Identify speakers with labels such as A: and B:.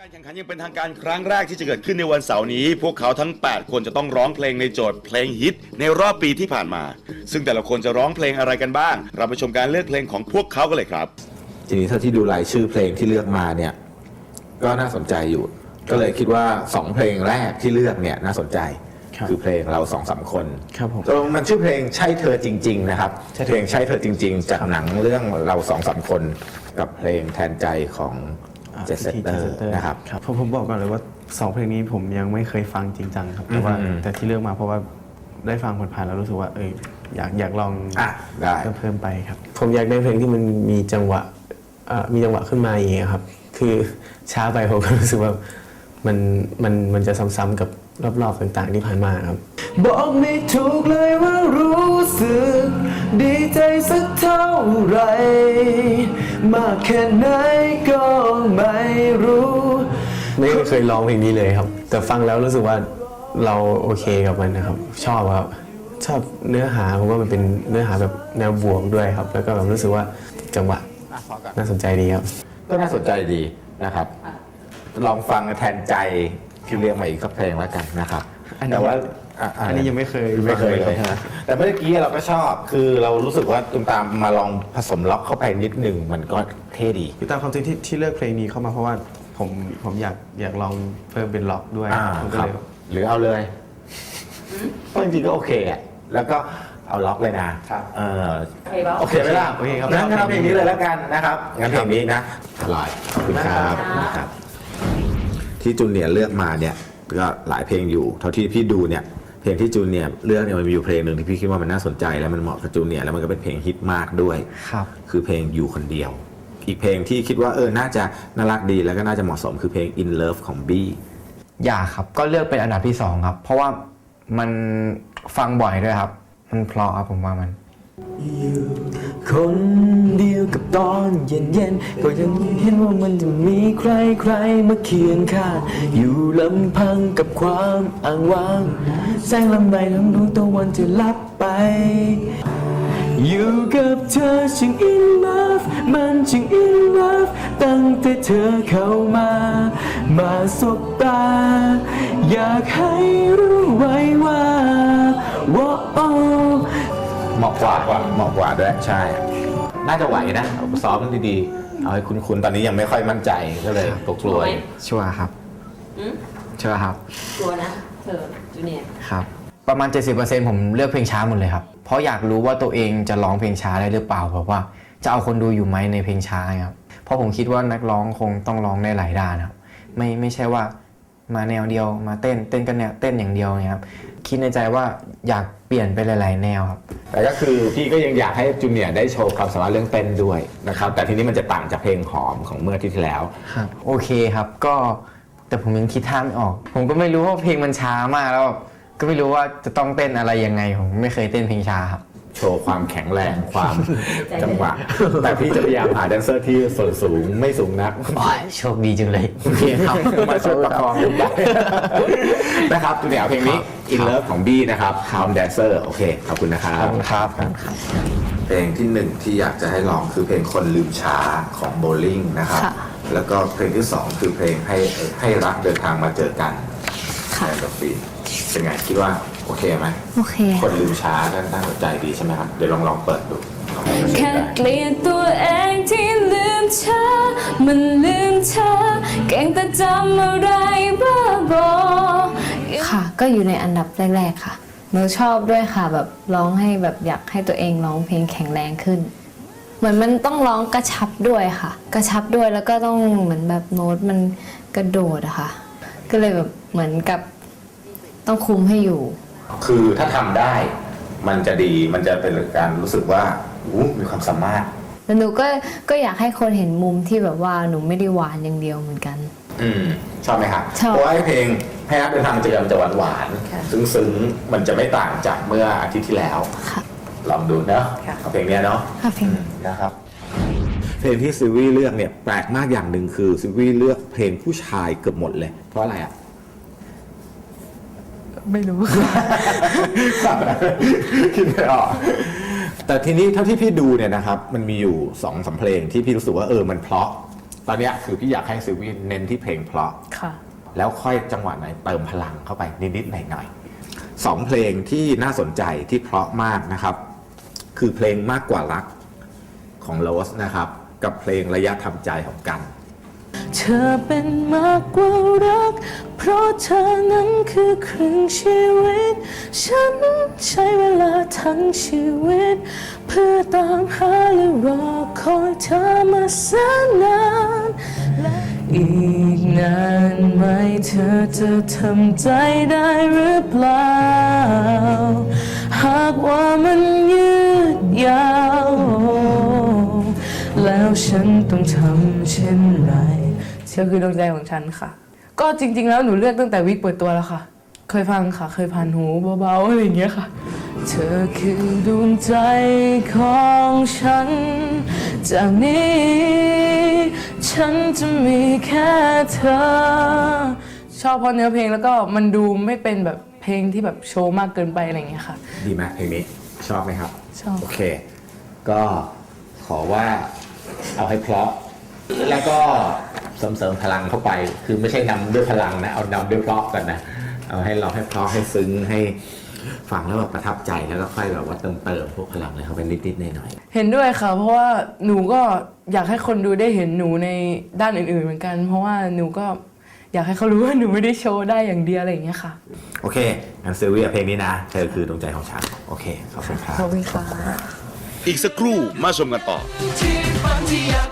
A: การแข่งขันยังเป็นทางการครั้งแรกที่จะเกิดขึ้นในวันเสาร์นี้พวกเขาทั้ง 8 คนจะต้องร้องเพลงในโจทย์เพลงฮิตในรอบปีที่ผ่านมาซึ่งแต่ละคนจะร้องเพลงอะไรกันบ้างเราไปชมการเลือกเพลงของพวกเขากันเลยครับ
B: ทีนี้ถ้าที่ดูรายชื่อเพลงที่เลือกมาเนี่ยก็น่าสนใจอยู่ก็เลยคิดว่า2เพลงแรกที่เลือกเนี่ยน่าสนใจคือเพลงเรา2-3 คน
C: ครับผม
B: มันชื่อเพลงใช่เธอจริงๆนะครับเพลงใช่เธอจริงๆจากหนังเรื่องเรา2-3 คนกับเพลงแทนใจของเจสเตอร์นะครับ
C: ผมบอกก่อนเลยว่า2เพลงนี้ผมยังไม่เคยฟังจริงจังครับแต่ที่เลือกมาเพราะว่าได้ฟังผ่านๆแล้วรู้สึกว่าอยากลองเพิ่มไปครับผมอยากได้เพลงที่มันมีจังหวะขึ้นมาอย่างเงี้ยครับคือช้าไปผมก็รู้สึกว่ามันจะซ้ำๆกับรอบๆต่างๆที่ผ่านมาครับบอกไม่ถูกเลยว่ารู้สึกดีใจสักเท่าไรมากแค่ไหนก็ไม่รู้ไม่เคยร้องเพลงนี้เลยครับแต่ฟังแล้วรู้สึกว่าเราโอเคกับมันนะครับชอบครับชอบเนื้อหาผมว่ามันเป็นเนื้อหาแบบแนวบวกด้วยครับแล้วก็แบบรู้สึกว่าจังหวะน่าสนใจดีครับ
B: ก็น่าสนใจดีนะครับลองฟังแทนใจที่เรียกมาอีกสักเพลงแล้วกันนะครับแต่ว่า
C: อันนี้ยังไม่เคย
B: เลยนะแต่เมื่อกี้เราก็ชอบคือเรารู้สึกว่าตุ้มตามมาลองผสมล็อกเข้าไปนิดหนึ่งมันก็เท่ดี
C: ตามความจริงที่เลือกเพลงนี้เข้ามาเพราะว่าผมอยากลองเพิ่มเป็นล็อกด้วย
B: ครับหรือเอาเลยเพราะจริงๆก็โอเคอ่ะแล้วก็เอาล็อกเลยนะโอเคไหมล่ะโอเคครับงั้นเอาเพลงนี้เลยแล้วกันนะครับงั้นเพลงนี้นะอร่อยขอบคุณครับที่จูเนียร์เลือกมาเนี่ยก็หลายเพลงอยู่เท่าที่พี่ดูเนี่ยเพลงที่จูเนียร์เลือกเนี่ยมันมีอยู่เพลงหนึ่งที่พี่คิดว่ามันน่าสนใจและมันเหมาะกับจูเนียร์แล้วมันก็เป็นเพลงฮิตมากด้วยคือเพลงอยู่คนเดียวอีกเพลงที่คิดว่าน่าจะน่ารักดีแล้วก็น่าจะเหมาะสมคือเพลง In Love ของบี้
D: อยากครับก็เลือกเป็นอันดับที่2ครับเพราะว่ามันฟังบ่อยด้วยครับมันเพราะครับผมว่ามัน
C: อยู่คนเดียวกับตอนเย็นๆก็ยังเห็นว่ามันจะมีใครมาเคียงข้างอยู่ลำพังกับความอ้างว้างแสงลำใบทั้งดวงตะวันจะลับไปอยู่กับเธอช่าง in love มันช่าง in love ตั้งแต่เธอเข้ามาสบตาอยากให้รู้ไว้ว่า
B: เหมาะกว่าด้วยใช่น่าจะไหวนะเอาซ้อมดีๆเอาให้คุ้นๆตอนนี้ยังไม่ค่อยมั่นใจก็เลยกลัว
D: ชัวร์ครับชัวร์ครับ
E: ชัวร์นะเธอจูเนียร์
D: ครับประมาณ 70% ผมเลือกเพลงช้าหมดเลยครับเพราะอยากรู้ว่าตัวเองจะร้องเพลงช้าได้หรือเปล่าเพราะว่าจะเอาคนดูอยู่ไหมในเพลงช้าครับเพราะผมคิดว่านักร้องคงต้องร้องได้หลายด้านครับไม่ใช่ว่ามาแนวเดียวมาเต้นกันเนี่ยเต้นอย่างเดียวเนี่ยครับคิดในใจว่าอยากเปลี่ยนไปหลายๆแนวครับ
B: แต่ก็คือพี่ก็ยังอยากให้จูเนียร์ได้โชว์ความสามารถเรื่องเต้นด้วยนะครับแต่ทีนี้มันจะต่างจากเพลงหอมของเมื่อที่แล้ว
D: ครับโอเคครับก็แต่ผมยังคิดท่าไม่ออกผมก็ไม่รู้ว่าเพลงมันช้ามากแล้วก็ไม่รู้ว่าจะต้องเต้นอะไรยังไงผมไม่เคยเต้นเพลงช้าครับ
B: โชว์ความแข็งแรงความจังหวะแต่พี่จะพยายามหาแดนเซอร์ที่ส่วนสูงไม่สูงนัก
D: โชคดีจังเลยโอเคครับ
B: มาช่วยประคองได้นะครับจูเนียร์เพลงนี้ In Love ของบี้นะครับทำแดนเซอร์โอเคขอบคุณนะครับ
D: ครับ
B: เพลงที่1ที่อยากจะให้ลองคือเพลงคนลืมช้าของโบลิ่งนะครับแล้วก็เพลงที่2คือเพลงให้รักเดินทางมาเจอกันในดอกฟีเป็นไงคิดว่าโอเคไหม
E: โอเค
B: คนลืมช้าน่าสนใจดีใช่ไหมครับเดี๋ยวลองเปิดดู
E: แค่เกลียดตัวเองที่ลืมช้ามันลืมช้าเก่งแต่จำอะไรบ้าบอค่ะก็อยู่ในอันดับแรกๆค่ะหนูชอบด้วยค่ะแบบร้องให้แบบอยากให้ตัวเองร้องเพลงแข็งแรงขึ้นเหมือนมันต้องร้องกระชับด้วยค่ะกระชับด้วยแล้วก็ต้องเหมือนแบบโน้ตมันกระโดดอะค่ะก็เลยแบบเหมือนกับต้องคุมให้อยู่
B: คือถ้าทำได้มันจะดีมันจะเป็นการรู้สึกว่ามีความสามารถ
E: แต่หนูก็อยากให้คนเห็นมุมที่แบบว่าหนูไม่ได้หวานอย่างเดียวเหมือนกัน
B: ชอบไหมครับเพราะว่าเพลงให้รักเดินทางมาเจอกันจะหวานซึ้งมันจะไม่ต่างจากเมื่ออาทิตย์ที่แล้วลองดูเนาะเอาเพลงนี้เนาะนะครับเพลงที่ซิวี่เลือกเนี่ยแปลกมากอย่างหนึ่งคือซิวี่เลือกเพลงผู้ชายเกือบหมดเลยเพราะอะไรอ่ะ
C: ไม่รู้
B: คิดไม่ออกแต่ทีนี้เท่าที่พี่ดูเนี่ยนะครับมันมีอยู่2-3เพลงที่พี่รู้สึกว่ามันเพราะตอนเนี้ยคือพี่อยากให้ซิลวี่เน้นที่เพลงเพราะ
E: ค่ะ
B: แล้วค่อยจังหวะไหนเติมพลังเข้าไปนิดๆหน่อยๆ 2 เพลงที่น่าสนใจที่เพราะมากนะครับ คือเพลงมากกว่ารักของโรสนะครับ กับเพลงระยะทำใจของกัน
E: เธอเป็นมากกว่ารัก เพราะเธอนั้นคือครึ่งชีวิต ฉันใช้เวลาทั้งชีวิต เพื่อตามหาและรอคอยเธอมาแสนนานและอีกนานไหมเธอจะทำใจได้หรือเปล่า หากว่ามันยืดยาว แล้วฉันต้องทำเช่นไรเธอคือดวงใจของฉันค่ะ ก็จริงๆแล้วหนูเลือกตั้งแต่วิกเปิดตัวแล้วค่ะ เคยฟังค่ะ เคยผ่านหูเบาๆอะไรอย่างเงี้ยค่ะ เธอคือดวงใจของฉัน จากนี้ฉันจะมีแค่เธอ ชอบเพราะเนื้อเพลงแล้วก็มันดูไม่เป็นแบบเพลงที่แบบโชว์มากเกินไปอะไรอย่างเงี้ยค่ะ
B: ดีไหมเพลงนี้ชอบไหมครับ
E: ชอบ
B: โอเค ก็ขอว่าเอาให้เพราะ แล้วก็เสริมพลังเข้าไป คือไม่ใช่นำด้วยพลังนะ เอานำด้วยเพราะกันนะ เอาให้เราให้เพราะให้ซึ้งให้ฟังแล้วแบบประทับใจแล้วก็ค่อยแบบว่าเติมพวกพลังเลยเข้าไปนิดๆหน่อย
E: เห็นด้วยค่ะ เพราะว่าหนูก็อยากให้คนดูได้เห็นหนูในด้านอื่นๆเหมือนกัน เพราะว่าหนูก็อยากให้เขารู้ว่าหนูไม่ได้โชว์ได้อย่างเดียวอะไรอย่างเงี้ยค่ะ
B: ๆ โอเคงั้นซิลเวียเพลงนี้นะ เธอคือดวงใจของฉัน โอเค ขอบคุณครับ
E: ขอบคุณค่ะ
A: อีกสักครู่มาชมกันต่อ
F: ที่ฝันที่อยาก